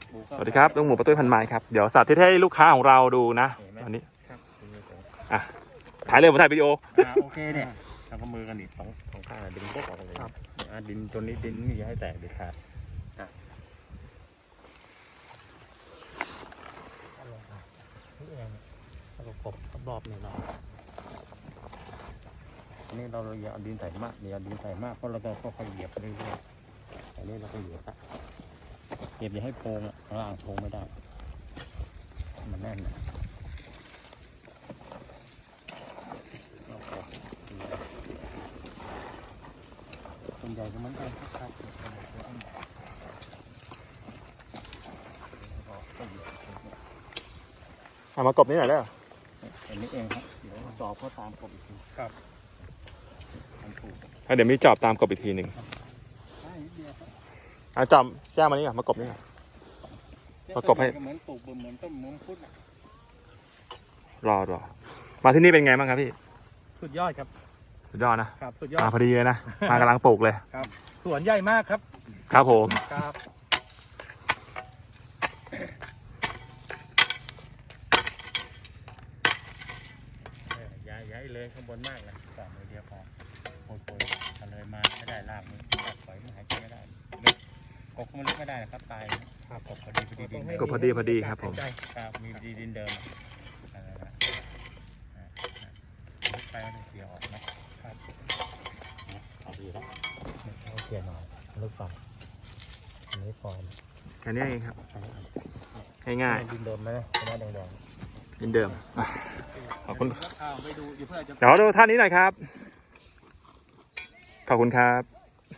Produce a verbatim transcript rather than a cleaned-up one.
สวัสดีครับลุงหมูประตุ้ยพันไม้ครับเดี๋ยวสาธิตให้ลูกค้าของเราดูนะอันนี้อ่ะถ่ายเลยผมถ่ายวิดีโอโอเคเนี่ยทำมือกันดิสองสองข้างดึงพวกออกเลยดินตัวนี้ดินนี่อย่าให้แตกเด็ดขาดนี่เองเรากบรอบเนี่ยเราอันนี้เราอย่าเอาดินใส่มากอย่าเอาดินใส่มากเพราะเราก็ค่อยๆเหยียบเรื่อยๆอันนี้เราก็เหยียบละเหยียบอย่าให้โพงล่างโพงไม่ได้มันแน่นนะส่วนใหญ่ก็มันกันครับเอามากบนี่หน่อยได้เหรออันนี้เองครับเดี๋ยวจอบเขาตามกบอีกทีครับเดี๋ยวมีจอบตามกบอีกทีหนึ่งเอาจอบแจ้งมานี่ก่อนมากบนี่ก่อนประกบให้เหมือนปลูกเหมือนต้นมังคุดรอรอมาที่นี่เป็นไงบ้างครับพี่สุดยอดครับสุดยอดนะครับสุดยอดมาพอดีเลยนะมากำลังปลูกเลยครับสวนใหญ่มากครับครับผมครับย้ายย้ายเลยข้างบนมากเลยสามมือเดียวพอโปรยโปรยกันเลยมาไม่ได้ลากมือตัดปล่อยมันหายใจไม่ได้กบมันลึกไม่ได้นะครับตายครับกบพอดีพอดีดินกบพอดีพอดีครับผมครับมีดีดินเดิมลึกไปมันเสียออกนะครับเอาดีแล้วเอาเสียหน่อยลึกไปอันนี้ฟอร์มแค่นี้เองครับง่ายๆดินเดิมไหมหน้าแดงๆดินเดิมขอบคุณเดี๋ยวดูเดี๋ยวดูท่านนี้หน่อยครับขอบคุณครับ